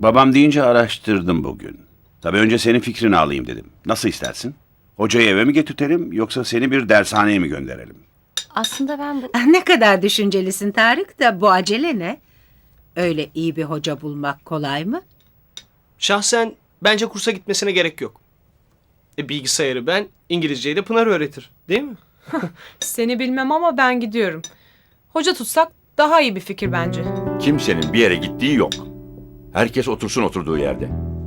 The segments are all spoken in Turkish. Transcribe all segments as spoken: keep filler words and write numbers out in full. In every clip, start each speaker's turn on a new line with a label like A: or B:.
A: Babam deyince araştırdım bugün. Tabii önce senin fikrini alayım dedim. Nasıl istersin? Hocayı eve mi getirtelim yoksa seni bir dershaneye mi gönderelim?
B: Aslında ben bu...
C: Ne kadar düşüncelisin Tarık da bu acele ne? Öyle iyi bir hoca bulmak kolay mı?
D: Şahsen bence kursa gitmesine gerek yok. E, bilgisayarı ben, İngilizceyi de Pınar öğretir. Değil mi?
E: Seni bilmem ama ben gidiyorum. Hoca tutsak daha iyi bir fikir bence.
F: Kimsenin bir yere gittiği yok. Herkes otursun oturduğu yerde.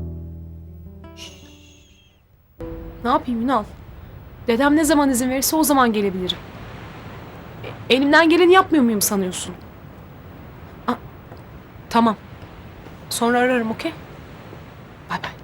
E: Ne yapayım Ünal? Dedem ne zaman izin verirse o zaman gelebilirim. E, elimden geleni yapmıyor muyum sanıyorsun? Aa, tamam. Sonra ararım, okey? Bay bay.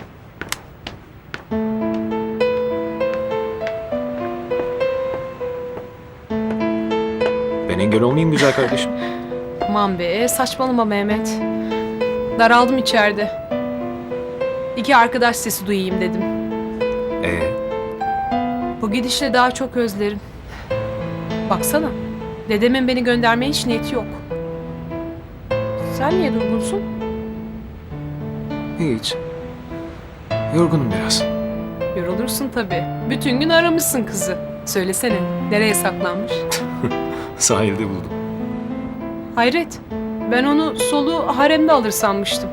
G: Ben engel olmayayım güzel kardeşim.
E: Aman be, saçmalama Mehmet. Daraldım içeride. İki arkadaş sesi duyayım dedim.
G: Ee,
E: Bu gidişle daha çok özlerim. Baksana, dedemin beni göndermeye hiç niyeti yok. Sen niye durgunsun?
G: hiç. Yorgunum biraz.
E: Yorulursun tabii. Bütün gün aramışsın kızı. Söylesene, nereye saklanmış?
G: Sahilde buldum.
E: Hayret, ben onu soluğu haremde alır sanmıştım.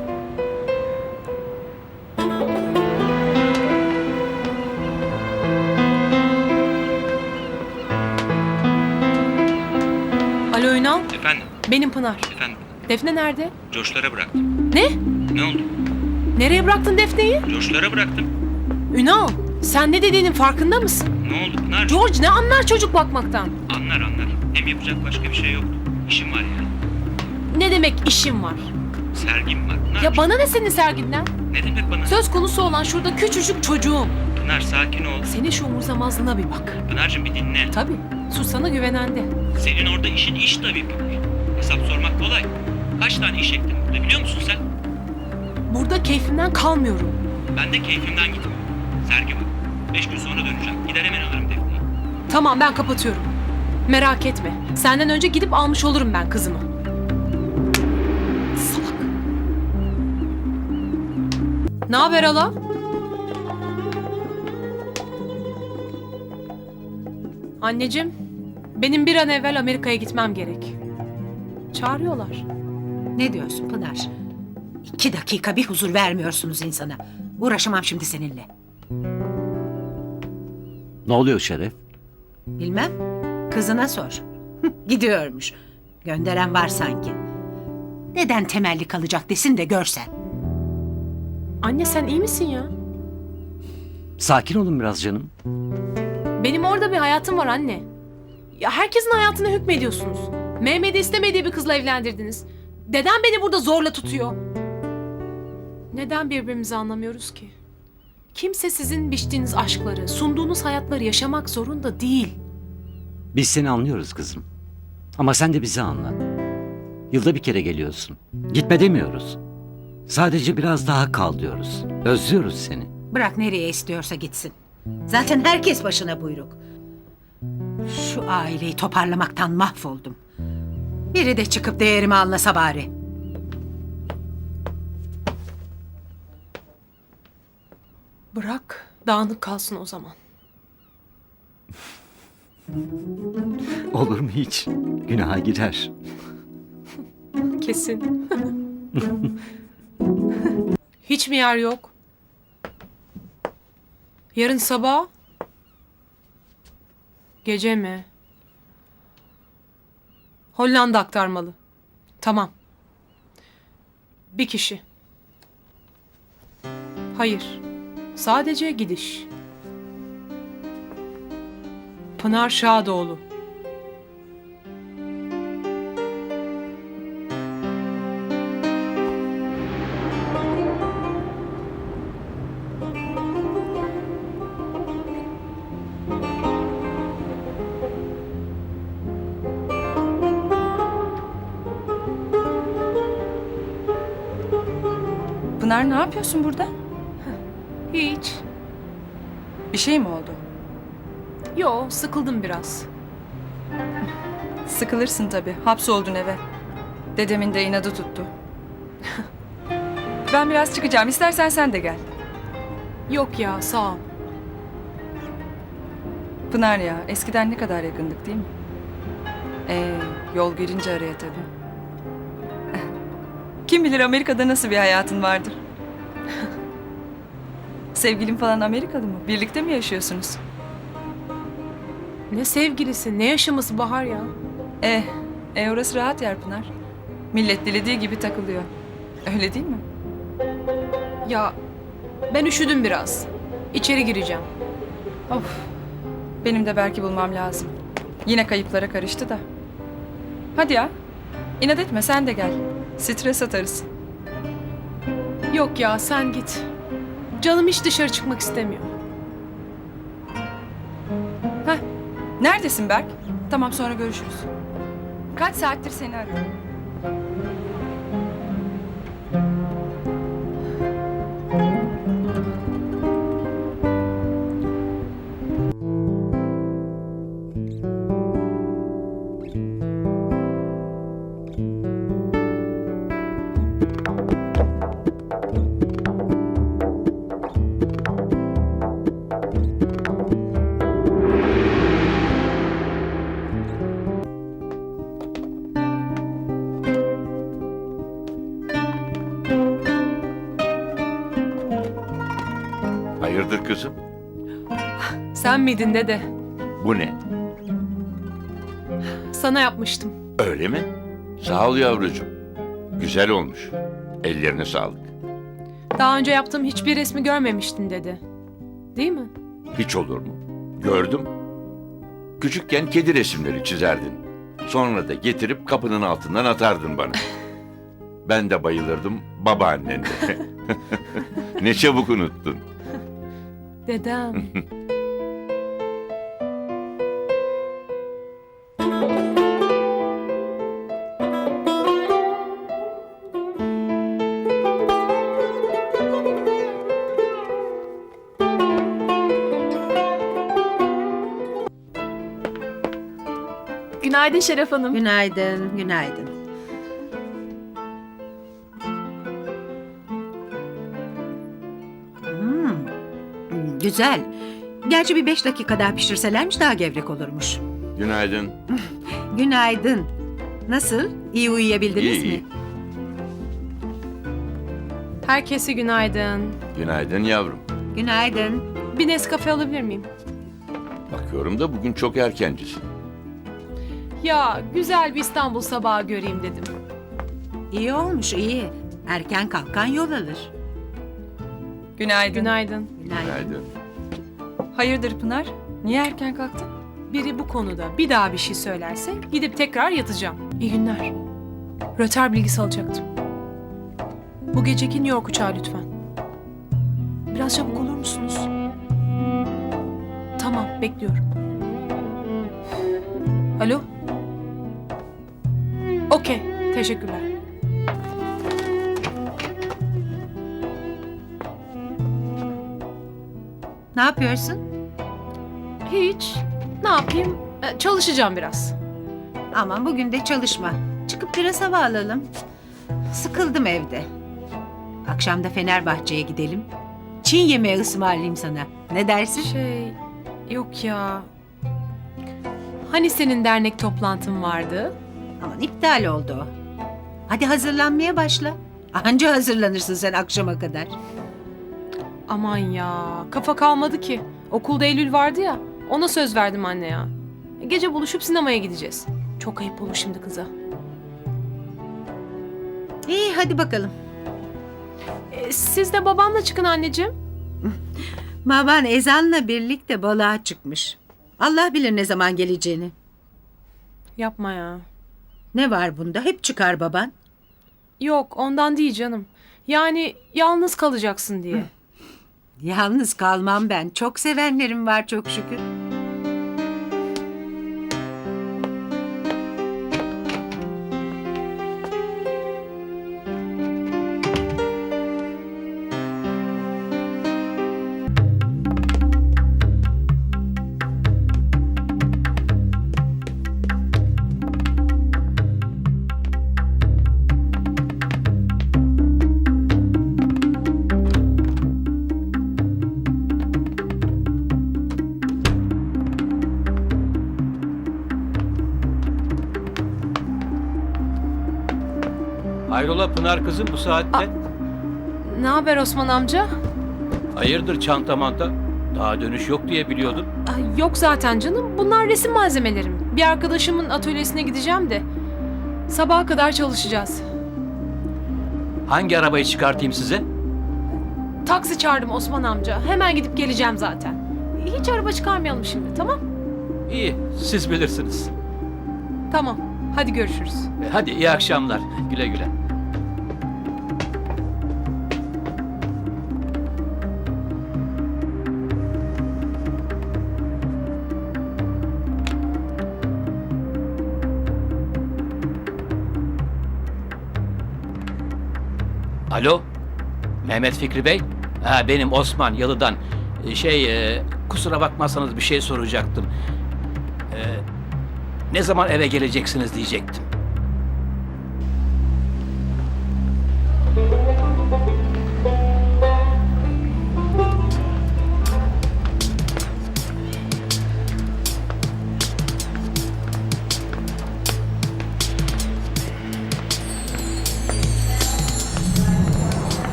E: Alo Ünal,
H: Efendim,
E: benim Pınar.
H: efendim.
E: Defne nerede?
H: Coşlara bıraktım.
E: Ne?
H: Ne oldu?
E: Nereye bıraktın Defne'yi?
H: Coşlara bıraktım.
E: Ünal, sen ne dediğinin farkında mısın?
H: Ne oldu Pınar?
E: George ne anlar çocuk bakmaktan?
H: Anlar anlar. Hem yapacak başka bir şey yoktu. İşim var ya.
E: Ne demek işim var?
H: Sergim var. Pınar.
E: Ya bana ne senin serginden?
H: Ne demek bana?
E: Söz konusu olan şurada küçücük çocuğum.
H: Pınar sakin ol.
E: Senin şu umursamazlığına bir bak.
H: Pınar'cığım bir dinle.
E: Tabii, susana güvenende.
H: Senin orada işin iş tabii Pınar. Hesap sormak kolay. Kaç tane iş ektim burada biliyor musun sen?
E: Burada keyfimden kalmıyorum.
H: Ben de keyfimden gitmiyorum. Sergi var. Beş gün sonra döneceğim. Gider hemen alırım Defne'yi.
E: Tamam, ben kapatıyorum. Merak etme. Senden önce gidip almış olurum ben kızımı. Salak. Ne haber hala? Anneciğim, benim bir an evvel Amerika'ya gitmem gerek. Çağırıyorlar.
C: Ne diyorsun Pınar? İki dakika bir huzur vermiyorsunuz insana. Uğraşamam şimdi seninle.
I: Ne oluyor Şeref?
C: Bilmem. Kızına sor. Gidiyormuş. Gönderen var sanki. Neden temelli kalacak desin de görsen.
E: Anne sen iyi misin ya?
I: Sakin olun biraz canım.
E: Benim orada bir hayatım var anne. Ya herkesin hayatına hükmediyorsunuz. Mehmet'i istemediği bir kızla evlendirdiniz. Dedem beni burada zorla tutuyor. Neden birbirimizi anlamıyoruz ki? Kimse sizin biçtiğiniz aşkları, sunduğunuz hayatları yaşamak zorunda değil.
I: Biz seni anlıyoruz kızım. Ama sen de bizi anla. Yılda bir kere geliyorsun. Gitme demiyoruz. Sadece biraz daha kal diyoruz. Özlüyoruz seni.
C: Bırak nereye istiyorsa gitsin. Zaten herkes başına buyruk. Şu aileyi toparlamaktan mahvoldum. Biri de çıkıp değerimi anlasa bari.
E: Bırak, dağınık kalsın o zaman.
I: Olur mu hiç? Günaha girer.
E: Kesin. Hiç mi yer yok? Yarın sabah? Gece mi? Hollanda aktarmalı. Tamam. Bir kişi. Hayır. Sadece gidiş. Pınar Şadoğlu.
B: Pınar ne yapıyorsun burada?
E: Hiç.
B: Bir şey mi oldu?
E: Yo, sıkıldım biraz.
B: Sıkılırsın tabii. Hapsoldun eve. Dedemin de inadı tuttu. Ben biraz çıkacağım. İstersen sen de gel.
E: Yok ya sağ ol.
B: Pınar ya, eskiden ne kadar yakındık değil mi? Ee, yol girince araya tabii. Kim bilir Amerika'da nasıl bir hayatın vardır? Sevgilin falan Amerikalı mı? Birlikte mi yaşıyorsunuz?
E: Ne sevgilisi ne yaşaması Bahar ya.
B: Eh, e orası rahat yer Pınar. Millet dilediği gibi takılıyor. Öyle değil mi?
E: Ya ben üşüdüm biraz. İçeri gireceğim.
B: Of. Benim de Berk'i bulmam lazım. Yine kayıplara karıştı da. Hadi ya. İnat etme sen de gel. Stres atarız.
E: Yok ya sen git. Canım hiç dışarı çıkmak istemiyor.
B: Heh. Neredesin Berk? Tamam sonra görüşürüz. Kaç saattir seni arıyorum.
F: Hayırdır kızım?
E: Sen miydin dede?
F: Bu ne?
E: Sana yapmıştım.
F: Öyle mi? Sağ ol yavrucuğum. Güzel olmuş. Ellerine sağlık.
E: Daha önce yaptığım hiçbir resmi görmemiştin dede. Değil mi?
F: Hiç olur mu? Gördüm. Küçükken kedi resimleri çizerdin. Sonra da getirip kapının altından atardın bana. Ben de bayılırdım babaannen de. Ne çabuk unuttun.
E: Dedem. Günaydın Şeref Hanım.
C: Günaydın, günaydın. Hmm, hmm, güzel. Gerçi bir beş dakika daha pişirselermiş daha gevrek olurmuş.
F: Günaydın.
C: Günaydın. Nasıl? İyi uyuyabildiniz
F: İyi,
C: mi?
F: iyi.
E: Herkese günaydın.
F: Günaydın yavrum.
C: Günaydın.
E: Bir Nescafe alabilir miyim?
F: Bakıyorum da bugün çok erkencisin.
E: Ya güzel bir İstanbul sabahı göreyim dedim.
C: İyi olmuş, iyi. Erken kalkan yol alır.
B: Günaydın.
E: Günaydın.
C: Günaydın.
F: Günaydın.
B: Hayırdır Pınar? Niye erken kalktın?
E: Biri bu konuda bir daha bir şey söylerse gidip tekrar yatacağım. İyi günler. Röter bilgisi alacaktım. Bu geceki New York uçağı lütfen. Biraz çabuk olur musunuz? Tamam, bekliyorum. Alo? Okey, teşekkürler.
C: Ne yapıyorsun?
E: Hiç. Ne yapayım? Ee, çalışacağım biraz.
C: Aman bugün de çalışma. Çıkıp biraz hava alalım. Sıkıldım evde. Akşam da Fenerbahçe'ye gidelim. Çin yemeği ısmarlayayım sana. Ne dersin?
E: Şey, yok ya. Hani senin dernek toplantın vardı?
C: Aman iptal oldu o. Hadi hazırlanmaya başla. Anca hazırlanırsın sen akşama kadar.
E: Aman ya, kafa kalmadı ki. Okulda Eylül vardı ya, ona söz verdim anne ya. Gece buluşup sinemaya gideceğiz. Çok ayıp olur şimdi kıza.
C: İyi hadi bakalım.
E: Ee, siz de babamla çıkın anneciğim.
C: Baban ezanla birlikte balığa çıkmış. Allah bilir ne zaman geleceğini.
E: Yapma ya.
C: Ne var bunda? Hep çıkar baban.
E: Yok, ondan değil canım. Yani yalnız kalacaksın diye.
C: Yalnız kalmam ben. Çok sevenlerim var çok şükür.
H: Hayrola Pınar kızım bu saatte?
E: Ne haber Osman amca?
H: Hayırdır çanta manta? Daha dönüş yok diye biliyordum.
E: Ay, yok zaten canım. Bunlar resim malzemelerim. Bir arkadaşımın atölyesine gideceğim de. Sabaha kadar çalışacağız.
H: Hangi arabayı çıkartayım size?
E: Taksi çağırdım Osman amca. Hemen gidip geleceğim zaten. Hiç araba çıkarmayalım şimdi, tamam?
H: İyi, siz bilirsiniz.
E: Tamam. Hadi görüşürüz.
H: E, Hadi iyi akşamlar. Güle güle. Alo, Mehmet Fikri Bey. Ha, benim Osman Yalı'dan. E, Şey, e, kusura bakmazsanız bir şey soracaktım. E, ne zaman eve geleceksiniz diyecektim.